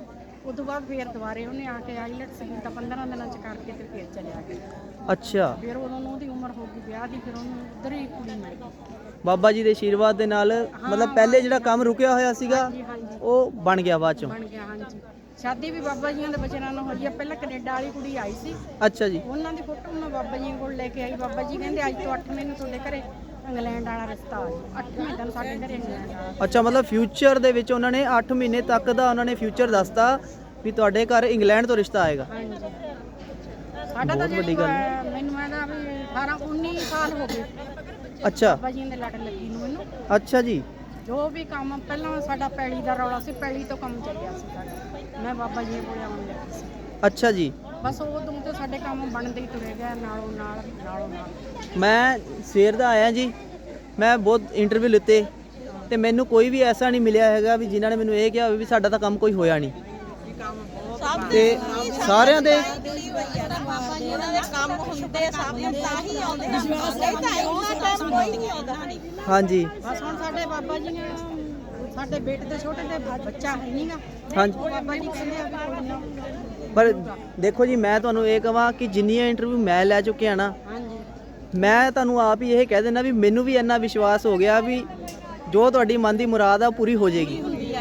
D: ਉਸ ਤੋਂ ਬਾਅਦ ਫੇਰ ਦੁਬਾਰੇ ਉਹਨੇ ਆ ਕੇ ਆਈਲੈਟਸ ਕੀਤਾ 15 ਦਿਨਾਂ ਚ ਕਰਕੇ ਤੇ ਫੇਰ ਚਲਿਆ ਗਿਆ।
A: ਅੱਛਾ,
D: ਫਿਰ ਉਦੋਂ ਨੂੰ ਉਹਦੀ ਉਮਰ ਹੋ ਗਈ ਵਿਆਹ ਦੀ, ਫਿਰ ਉਹਨੂੰ ਉਧਰ ਹੀ ਕੁੜੀ ਮਿਲ ਗਈ।
A: ਬਾਬਾ ਜੀ ਦੇ ਆਸ਼ੀਰਵਾਦ ਦੇ ਨਾਲ ਮਤਲਬ ਪਹਿਲੇ ਜਿਹੜਾ ਕੰਮ ਰੁਕਿਆ ਹੋਇਆ ਸੀਗਾ
D: ਹਾਂਜੀ
A: ਉਹ ਬਣ ਗਿਆ ਬਾਅਦ ਚੋਂ।
D: ਬਣ ਗਿਆ। ਹਾਂਜੀ, ਸ਼ਾਦੀ ਵੀ ਬਾਬਾ ਜੀਆਂ ਦੇ ਬਚਨਾਂ ਨਾਲ ਹੋਈ ਆ। ਪਹਿਲਾਂ ਕੈਨੇਡਾ ਵਾਲੀ ਕੁੜੀ ਆਈ ਸੀ,
A: ਅੱਛਾ ਜੀ,
D: ਉਹਨਾਂ ਦੀ ਫੋਟੋ ਮੈਂ ਬਾਬਾ ਜੀ ਕੋਲ ਲੈ ਕੇ ਆਈ। ਬਾਬਾ ਜੀ ਕਹਿੰਦੇ ਅੱਜ ਤੋਂ 8 ਮਹੀਨੇ ਤੁਹਾਡੇ ਘਰੇ ਇੰਗਲੈਂਡ ਵਾਲਾ ਰਿਸ਼ਤਾ ਆ ਜਾਊ। 8ਵੇਂ ਦਿਨ ਸਾਡੇ ਘਰੇ ਇੰਗਲੈਂਡ ਵਾਲਾ।
A: ਅੱਛਾ, ਮਤਲਬ ਫਿਊਚਰ ਦੇ ਵਿੱਚ ਉਹਨਾਂ ਨੇ 8 ਮਹੀਨੇ ਤੱਕ ਦਾ ਉਹਨਾਂ ਨੇ ਫਿਊਚਰ ਦੱਸਤਾ ਵੀ ਤੁਹਾਡੇ ਘਰ ਇੰਗਲੈਂਡ ਤੋਂ ਰਿਸ਼ਤਾ ਆਏਗਾ।
D: ਹਾਂਜੀ, ਸਾਡਾ ਤਾਂ
A: ਵੱਡੀ ਗੱਲ
D: ਮੈਨੂੰ ਇਹਦਾ ਵੀ 18 19 ਸਾਲ ਹੋ ਗਏ
A: ਅੱਛਾ
D: ਬਾਬਾ ਜੀ ਦੇ ਲੜ ਲੱਗੀ ਨੂੰ ਮੈਨੂੰ।
A: ਅੱਛਾ ਜੀ,
D: ਜੋ ਵੀ ਕੰਮ ਪਹਿਲਾਂ ਸਾਡਾ ਪੈਲੀ ਦਾ ਰੌਲਾ ਸੀ, ਪੈਲੀ ਤੋਂ ਕੰਮ ਚੱਲਿਆ ਸੀ ਸਾਡਾ। ਮੈਂ ਬਾਬਾ ਜੀ ਕੋਲ ਆਉਣ ਲੱਗੀ ਸੀ।
A: ਅੱਛਾ ਜੀ।
D: ਬਸ ਉਦੋਂ ਤੋਂ ਸਾਡੇ ਕੰਮ ਬਣਦੇ ਹੀ ਤੁਰੇ ਗਏ ਨਾਲੋਂ ਨਾਲ।
A: ਮੈਂ ਸਵੇਰ ਦਾ ਆਇਆ ਜੀ, ਮੈਂ ਬਹੁਤ ਇੰਟਰਵਿਊ ਲਿੱਤੇ ਤੇ ਮੈਨੂੰ ਕੋਈ ਵੀ ਐਸਾ ਨਹੀਂ ਮਿਲਿਆ ਹੈਗਾ ਵੀ ਜਿਨ੍ਹਾਂ ਨੇ ਮੈਨੂੰ ਇਹ ਕਿਹਾ ਹੋਵੇ ਵੀ ਸਾਡਾ ਤਾਂ ਕੰਮ ਕੋਈ ਹੋਇਆ ਨਹੀਂ। ਤੇ ਸਾਰਿਆਂ ਦੇ
B: ਬਾਬਾ ਜੀ ਉਹਨਾਂ ਦੇ ਕੰਮ ਹੁੰਦੇ ਸਭ ਨੂੰ ਤਾਂ ਹੀ ਆਉਂਦੇ ਆ, ਨਹੀਂ ਤਾਂ ਇਹਨਾਂ ਟਾਈਮ ਕੋਈ ਨਹੀਂ ਆਉਂਦਾ।
A: ਹਾਂਜੀ
D: ਬਸ ਹੁਣ ਸਾਡੇ ਬਾਬਾ ਜੀ ਨੇ ਸਾਡੇ ਬੇਟੇ ਦੇ ਛੋਟੇ ਦੇ ਬੱਚਾ ਹੈ ਨਹੀਂਗਾ।
A: ਹਾਂਜੀ,
D: ਉਹ ਬਾਬਾ ਜੀ ਕਹਿੰਦੇ ਆ ਵੀ ਕੋਈ ਨਾ।
A: ਪਰ ਦੇਖੋ ਜੀ, ਮੈਂ ਤੁਹਾਨੂੰ ਇਹ ਕਹਾਂ ਕਿ ਜਿੰਨੀਆਂ ਇੰਟਰਵਿਊ ਮੈਂ ਲੈ ਚੁੱਕਿਆ ਨਾ,
D: ਹਾਂਜੀ,
A: ਮੈਂ ਤੁਹਾਨੂੰ ਆਪ ਹੀ ਇਹ ਕਹਿ ਦਿੰਦਾ ਵੀ ਮੈਨੂੰ ਵੀ ਇੰਨਾ ਵਿਸ਼ਵਾਸ ਹੋ ਗਿਆ ਵੀ ਜੋ ਤੁਹਾਡੀ ਮਨ ਦੀ ਮੁਰਾਦ ਆ ਉਹ ਪੂਰੀ ਹੋ ਜਾਏਗੀ।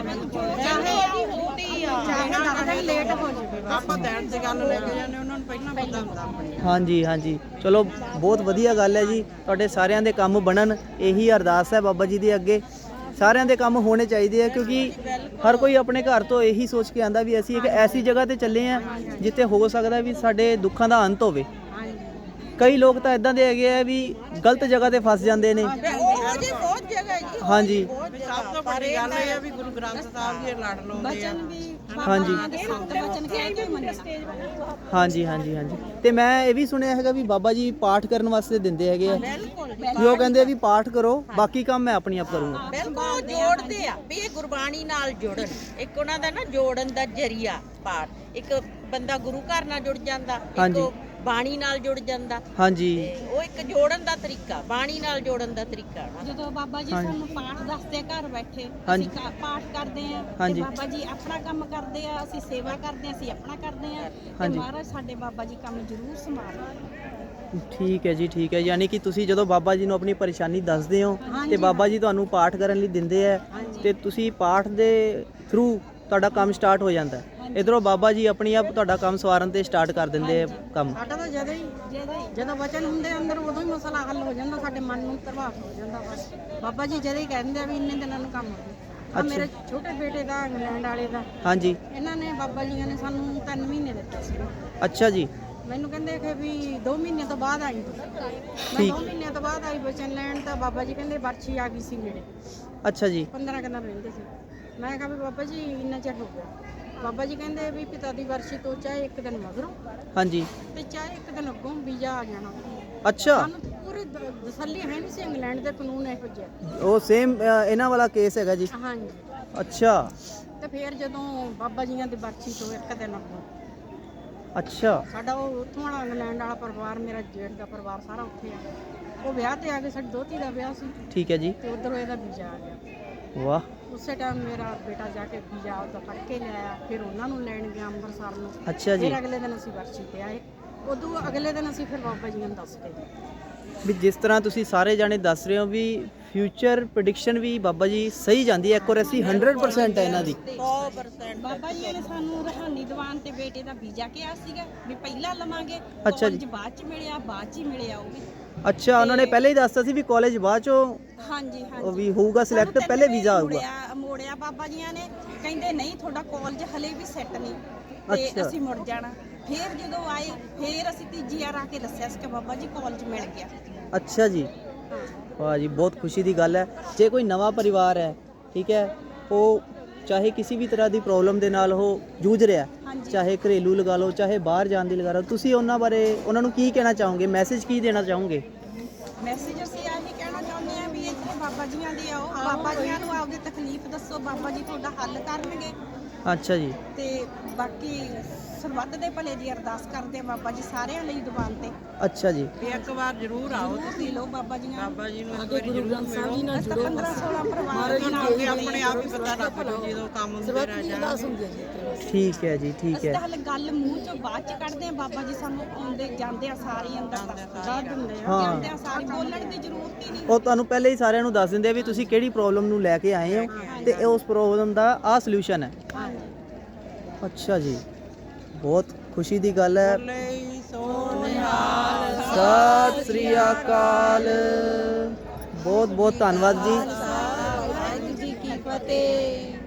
D: ਚਾਹੇ ਲੇਟ ਹੋ ਜਾਵੇ।
B: ਆਪਾਂ ਦਿਨ ਤੇ ਗੱਲ ਲੈ ਕੇ ਜਾਂਦੇ, ਉਹਨਾਂ ਨੂੰ ਪਹਿਲਾਂ ਪਤਾ ਹੁੰਦਾ।
A: ਹਾਂਜੀ ਹਾਂਜੀ, ਚਲੋ ਬਹੁਤ ਵਧੀਆ ਗੱਲ ਹੈ ਜੀ, ਤੁਹਾਡੇ ਸਾਰਿਆਂ ਦੇ ਕੰਮ ਬਣਨ, ਇਹੀ ਅਰਦਾਸ ਹੈ ਬਾਬਾ ਜੀ ਦੇ ਅੱਗੇ। ਸਾਰਿਆਂ ਦੇ ਕੰਮ ਹੋਣੇ ਚਾਹੀਦੇ ਆ ਕਿਉਂਕਿ ਹਰ ਕੋਈ ਆਪਣੇ ਘਰ ਤੋਂ ਇਹੀ ਸੋਚ ਕੇ ਆਂਦਾ ਵੀ ਅਸੀਂ ਇੱਕ ਐਸੀ ਜਗ੍ਹਾ ਤੇ ਚੱਲੇ ਆ ਜਿੱਥੇ ਹੋ ਸਕਦਾ ਵੀ ਸਾਡੇ ਦੁੱਖਾਂ ਦਾ ਅੰਤ ਹੋਵੇ। ਕਈ ਲੋਕ ਤਾਂ ਇਦਾਂ ਦੇ ਹੈਗੇ ਆ ਵੀ ਗਲਤ ਜਗ੍ਹਾ ਤੇ ਫਸ ਜਾਂਦੇ ਨੇ।
B: ਉਹ ਜੀ ਬਹੁਤ ਜਗ੍ਹਾ ਜੀ।
A: ਹਾਂਜੀ
B: ਸਭ ਤੋਂ ਵੱਡੀ ਗੱਲ ਇਹ ਆ ਵੀ ਗੁਰੂ ਗ੍ਰੰਥ ਸਾਹਿਬ ਜੀ ਲੜ ਲਾਉਂਦੇ ਆ।
A: ਹਾਂਜੀ
D: ਬਚਨ ਕਹਿ ਕੇ ਮੰਨਣਾ।
A: ਹਾਂਜੀ ਹਾਂਜੀ ਹਾਂਜੀ, ਤੇ ਮੈਂ ਇਹ ਵੀ ਸੁਣਿਆ ਹੈਗਾ ਵੀ ਬਾਬਾ ਜੀ ਪਾਠ ਕਰਨ ਵਾਸਤੇ ਦਿੰਦੇ ਹੈਗੇ ਆ ਵੀ ਉਹ ਕਹਿੰਦੇ ਆ ਵੀ ਪਾਠ ਕਰੋ, ਬਾਕੀ ਕੰਮ ਮੈਂ ਆਪਣੀ ਆਪ ਕਰੂੰਗਾ।
B: ਬਿਲਕੁਲ ਜੋੜਦੇ ਆ ਵੀ ਇਹ ਗੁਰਬਾਣੀ ਨਾਲ ਜੁੜਨ। ਇੱਕ ਉਹਨਾਂ ਦਾ ਨਾ ਜੋੜਨ ਦਾ ਜਰੀਆ ਪਾਠ। ਇੱਕ ਬੰਦਾ ਗੁਰੂ ਘਰ ਨਾਲ ਜੁੜ ਜਾਂਦਾ, ਇੱਕ ਉਹ ਬਾਣੀ ਨਾਲ ਜੁੜ ਜਾਂਦਾ।
A: ਹਾਂਜੀ,
B: ਉਹ ਇੱਕ ਜੋੜਨ ਦਾ ਤਰੀਕਾ, ਬਾਣੀ ਨਾਲ ਜੋੜਨ ਦਾ ਤਰੀਕਾ।
D: ਜਦੋਂ ਬਾਬਾ ਜੀ ਸਾਨੂੰ ਪਾਠ ਦੱਸਦੇ ਆ ਘਰ ਬੈਠੇ,
A: ਹਾਂਜੀ।
D: ਅਸੀਂ ਪਾਠ ਕਰਦੇ ਆ ਤੇ
A: ਹਾਂਜੀ।
D: ਬਾਬਾ ਜੀ ਆਪਣਾ ਕੰਮ ਕਰਦੇ ਆ, ਅਸੀਂ ਸੇਵਾ ਕਰਦੇ ਆ, ਅਸੀਂ ਆਪਣਾ ਕਰਦੇ ਆ ਤੇ
A: ਹਾਂਜੀ।
D: ਮਹਾਰਾਜ ਸਾਡੇ ਬਾਬਾ ਜੀ ਕੰਮ ਜ਼ਰੂਰ ਸੰਭਾਲਦੇ।
A: ਠੀਕ ਹੈ ਜੀ, ਠੀਕ ਹੈ। ਯਾਨੀ ਕਿ ਤੁਸੀਂ ਜਦੋਂ ਬਾਬਾ ਜੀ ਨੂੰ ਆਪਣੀ ਪਰੇਸ਼ਾਨੀ ਦੱਸਦੇ ਹੋ ਤੇ
D: ਹਾਂਜੀ।
A: ਬਾਬਾ ਜੀ ਤੁਹਾਨੂੰ ਪਾਠ ਕਰਨ ਲਈ ਦਿੰਦੇ ਆ ਤੇ ਤੁਸੀਂ ਪਾਠ ਦੇ ਥਰੂ ਤੁਹਾਡਾ ਕੰਮ ਸਟਾਰਟ ਹੋ ਜਾਂਦਾ ਹੈ। ਇਧਰੋਂ ਬਾਬਾ ਜੀ ਆਪਣੀ ਆਪ ਤੁਹਾਡਾ ਕੰਮ ਸਵਾਰਨ ਤੇ ਸਟਾਰਟ ਕਰ ਦਿੰਦੇ ਆ ਕੰਮ।
D: ਸਾਡਾ ਤਾਂ ਜਦੋਂ ਵਚਨ ਹੁੰਦੇ ਅੰਦਰ ਉਦੋਂ ਹੀ ਮਸਲਾ ਹੱਲ ਹੋ ਜਾਂਦਾ, ਸਾਡੇ ਮਨ ਨੂੰ ਪ੍ਰਭਾਵ ਹੋ ਜਾਂਦਾ। ਬਸ ਬਾਬਾ ਜੀ ਜਦੋਂ ਹੀ ਕਹਿੰਦੇ ਆ ਵੀ ਇੰਨੇ ਦਿਨਾਂ ਨੂੰ ਕੰਮ ਹੋ ਗਿਆ। ਆ ਮੇਰੇ ਛੋਟੇ ਬੇਟੇ ਦਾ ਇੰਗਲੈਂਡ ਵਾਲੇ ਦਾ,
A: ਹਾਂਜੀ,
D: ਇਹਨਾਂ ਨੇ ਬਾਬਾ ਜੀ ਨੇ ਸਾਨੂੰ 3 ਮਹੀਨੇ ਦਿੱਤੇ ਸੀ।
A: ਅੱਛਾ ਜੀ,
D: ਮੈਨੂੰ ਕਹਿੰਦੇ ਕਿ ਵੀ 2 ਮਹੀਨੇ ਤੋਂ ਬਾਅਦ ਆਈ ਤੂੰ। ਮੈਂ
A: ਠੀਕ।
D: 2 ਮਹੀਨਿਆਂ ਤੋਂ ਬਾਅਦ ਆਈ ਵਚਨ ਲੈਣ, ਤਾਂ ਬਾਬਾ ਜੀ ਕਹਿੰਦੇ ਵਰਛੀ ਆ ਗਈ ਸੀ ਨੇੜੇ।
A: ਅੱਛਾ ਜੀ,
D: 15 ਦਿਨ ਰਹਿੰਦੇ ਸੀ। ਮੈਂ ਕਿਹਾ ਵੀ ਬਾਬਾ ਜੀ ਇੰਨਾ ਚਿਰ ਹੋ ਗਿਆ। ਬਾਬਾ ਜੀ ਕਹਿੰਦੇ ਵੀ ਪਿਤਾ ਦੀ ਵਰਸ਼ੀ ਤੋਂ ਚਾਹੇ 1 ਦਿਨ ਮਗਰੋਂ
A: ਹਾਂਜੀ,
D: ਤੇ ਚਾਹੇ 1 ਦਿਨ ਅੱਗੋਂ ਵੀਜ਼ਾ ਆ ਜਾਣਾ।
A: ਅੱਛਾ,
D: ਸਾਨੂੰ ਪੂਰੀ ਤਸੱਲੀ ਹੈ ਨਹੀਂ ਸੀ, ਇੰਗਲੈਂਡ ਦੇ ਕਾਨੂੰਨ ਇਹੋ ਜਿਹੇ।
A: ਉਹ ਸੇਮ ਇਹਨਾਂ ਵਾਲਾ ਕੇਸ ਹੈਗਾ ਜੀ।
D: ਹਾਂਜੀ,
A: ਅੱਛਾ
D: ਤੇ ਫਿਰ ਜਦੋਂ ਬਾਬਾ ਜੀਆਂ ਦੀ ਵਰਸ਼ੀ ਤੋਂ 1 ਦਿਨ ਅੱਗੋਂ
A: ਅੱਛਾ,
D: ਸਾਡਾ ਉਹ ਉੱਥੋਂ ਵਾਲਾ ਇੰਗਲੈਂਡ ਵਾਲਾ ਪਰਿਵਾਰ, ਮੇਰਾ ਜੇਠ ਦਾ ਪਰਿਵਾਰ ਸਾਰਾ ਉੱਥੇ ਆ। ਉਹ ਵਿਆਹ ਤੇ ਆ ਗਏ, ਸਾਡੀ ਦੋਤੀ ਦਾ ਵਿਆਹ ਸੀ
A: ਠੀਕ ਹੈ ਜੀ,
D: ਤੇ ਉਧਰੋਂ ਇਹਦਾ ਵੀਜ਼ਾ ਆ ਗਿਆ।
A: ਵਾਹ,
D: ਉਸੇ ਟਾਈਮ ਮੇਰਾ ਬੇਟਾ ਜਾ ਕੇ ਵੀਜ਼ਾ ਉਹਦਾ ਫੜ ਕੇ ਲਿਆਇਆ। ਫਿਰ ਉਹਨਾਂ ਨੂੰ ਲੈਣ ਗਿਆ ਅੰਮ੍ਰਿਤਸਰ ਨੂੰ।
A: ਅੱਛਾ ਜੀ।
D: ਫਿਰ ਅਗਲੇ ਦਿਨ ਅਸੀਂ ਵਰਸ਼ੀ ਤੇ ਆਏ। ਉਦੋਂ ਅਗਲੇ ਦਿਨ ਅਸੀਂ ਫਿਰ ਬਾਬਾ ਜੀ ਨੂੰ ਦੱਸ ਕੇ ਗਏ।
A: ਵੀ ਜਿਸ ਤਰ੍ਹਾਂ ਤੁਸੀਂ ਸਾਰੇ ਜਾਣੇ ਦੱਸ ਰਹੇ ਹੋ ਵੀ ਫਿਊਚਰ ਪ੍ਰੈਡਿਕਸ਼ਨ ਵੀ ਬਾਬਾ ਜੀ ਸਹੀ ਜਾਂਦੀ ਹੈ, ਐਕੂਰੇਸੀ 100% ਹੈ ਇਹਨਾਂ ਦੀ।
B: 100%
D: ਬਾਬਾ ਜੀ ਨੇ ਸਾਨੂੰ ਰਹਾਨੀ ਦੀਵਾਨ ਤੇ ਬੇਟੇ ਦਾ ਵੀਜ਼ਾ ਕਿਹਾ ਸੀਗਾ ਵੀ ਪਹਿਲਾਂ ਲਵਾਂਗੇ।
A: ਅੱਛਾ ਜੀ।
D: ਕਾਲਜ ਬਾਅਦ ਚ ਮਿਲਿਆ, ਬਾਅਦ ਚ ਹੀ ਮਿਲਿਆ ਉਹ ਵੀ।
A: ਅੱਛਾ, ਉਹਨਾਂ ਨੇ ਪਹਿਲਾਂ ਹੀ ਦੱਸਤਾ ਸੀ ਵੀ ਕਾਲਜ ਬਾਅਦ ਚੋਂ
D: ਹਾਂਜੀ
A: ਉਹ ਵੀ ਹੋਊਗਾ ਸਿਲੈਕਟ, ਪਹਿਲੇ ਵੀਜ਼ਾ ਆਊਗਾ।
D: ਮੋੜਿਆ ਬਾਬਾ ਜੀਆਂ ਨੇ, ਕਹਿੰਦੇ ਨਹੀਂ ਤੁਹਾਡਾ ਕਾਲਜ ਹਲੇ ਵੀ ਸੈੱਟ ਨਹੀਂ ਤੇ
A: ਅੱਛਾ।
D: ਅਸੀਂ ਮੁੜ ਜਾਣਾ। ਫਿਰ ਜਦੋਂ ਆਏ, ਫਿਰ ਅਸੀਂ ਤੀਜੀ ਵਾਰ ਆ ਕੇ ਦੱਸਿਆ ਸੀ ਕਿ ਬਾਬਾ ਜੀ ਕਾਲਜ ਮਿਲ ਗਿਆ।
A: ਅੱਛਾ ਜੀ,
D: ਹਾਂ,
A: ਵਾਹ ਜੀ, ਬਹੁਤ ਖੁਸ਼ੀ ਦੀ ਗੱਲ ਹੈ। ਜੇ ਕੋਈ ਨਵਾਂ ਪਰਿਵਾਰ ਹੈ, ਠੀਕ ਹੈ, ਉਹ ਚਾਹੇ ਕਿਸੇ ਵੀ ਤਰ੍ਹਾਂ ਦੀ ਪ੍ਰੋਬਲਮ ਦੇ ਨਾਲ ਉਹ ਜੂਝ ਰਿਹਾ,
D: ਹਾਂਜੀ।
A: ਚਾਹੇ ਘਰੇਲੂ ਲਗਾ ਲਓ, ਚਾਹੇ ਬਾਹਰ ਜਾਣ ਦੀ ਲਗਾ ਲਓ, ਤੁਸੀਂ ਉਹਨਾਂ ਬਾਰੇ ਉਹਨਾਂ ਨੂੰ ਕੀ ਕਹਿਣਾ ਚਾਹੋਗੇ, ਮੈਸੇਜ ਕੀ ਦੇਣਾ ਚਾਹੋਗੇ?
D: ਮੈਸੇਜ ਅਸੀਂ ਆਹੀ ਕਹਿਣਾ ਚਾਹੁੰਦੇ ਆ ਵੀ ਇੱਥੇ ਬਾਬਾ ਜੀਆਂ ਦੇ ਆਓ, ਬਾਬਾ ਜੀਆਂ ਨੂੰ ਆਪਦੀ ਤਕਲੀਫ ਦੱਸੋ, ਬਾਬਾ ਜੀ ਤੁਹਾਡਾ ਹੱਲ ਕਰਨਗੇ।
A: ਅੱਛਾ ਜੀ।
D: ਤੇ ਬਾਕੀ ਸਰਬੱਤ ਦੇ ਭਲੇ ਦੀ ਅਰਦਾਸ ਕਰਦੇ ਆ ਬਾਬਾ ਜੀ ਸਾਰਿਆਂ ਲਈ ਦੁਕਾਨ ਤੇ।
A: ਅੱਛਾ ਜੀ।
B: ਵੀ ਇੱਕ ਵਾਰ ਜ਼ਰੂਰ ਆਓ
D: ਤੁਸੀਂ ਲੋ ਬਾਬਾ ਜੀ ਨਾਲ।
B: ਬਾਬਾ ਜੀ ਨੂੰ ਇੱਕ ਵਾਰੀ ਜ਼ਰੂਰ ਮਿਲੋ।
D: ਅਸੀਂ ਤਾਂ 15-16 ਪਰਿਵਾਰ ਦੇ ਨਾਲ
B: ਅੱਗੇ ਆਪਣੇ ਆਪ ਹੀ ਪਤਾ ਲੱਗ ਜੂ ਜਦੋਂ ਕੰਮ ਹੁੰਦੇ ਰਹਿ ਜਾਣਗੇ।
A: ਠੀਕ ਹੈ ਜੀ, ਠੀਕ
D: ਅਸੀਂ
A: ਹੈ।
D: ਤਾਂ ਹਲੇ ਗੱਲ ਮੂੰਹ ਚੋਂ ਬਾਅਦ ਚ ਕੱਢਦੇ ਆ। ਬਾਬਾ ਜੀ ਸਾਨੂੰ ਆਉਂਦੇ ਜਾਂਦੇ ਆ ਸਾਰੇ ਅੰਦਰ ਦੱਸ ਦਿੰਦੇ ਆ।
A: ਹਾਂ।
D: ਜਾਂਦੇ ਆ ਸਾਰੇ, ਬੋਲਣ ਦੀ ਜ਼ਰੂਰਤ ਹੀ ਨਹੀਂ।
A: ਉਹ ਤੁਹਾਨੂੰ ਪਹਿਲੇ ਹੀ ਸਾਰਿਆਂ ਨੂੰ ਦੱਸ ਦਿੰਦੇ ਆ ਵੀ ਤੁਸੀਂ ਕਿਹੜੀ ਪ੍ਰੋਬਲਮ ਨੂੰ ਲੈ ਕੇ ਆਏ ਹੋ ਤੇ ਇਹ ਉਸ ਪ੍ਰੋਬਲਮ ਦਾ ਆਹ ਸੋਲੂਸ਼ਨ ਹੈ। ਅੱਛਾ ਜੀ, ਬਹੁਤ ਖੁਸ਼ੀ ਦੀ ਗੱਲ ਹੈ। ਸਤਿ ਸ੍ਰੀ ਅਕਾਲ। ਬਹੁਤ ਬਹੁਤ ਧੰਨਵਾਦ ਜੀ।
D: ਵਾਹਿਗੁਰੂ ਜੀ ਕੀ ਫਤਿਹ।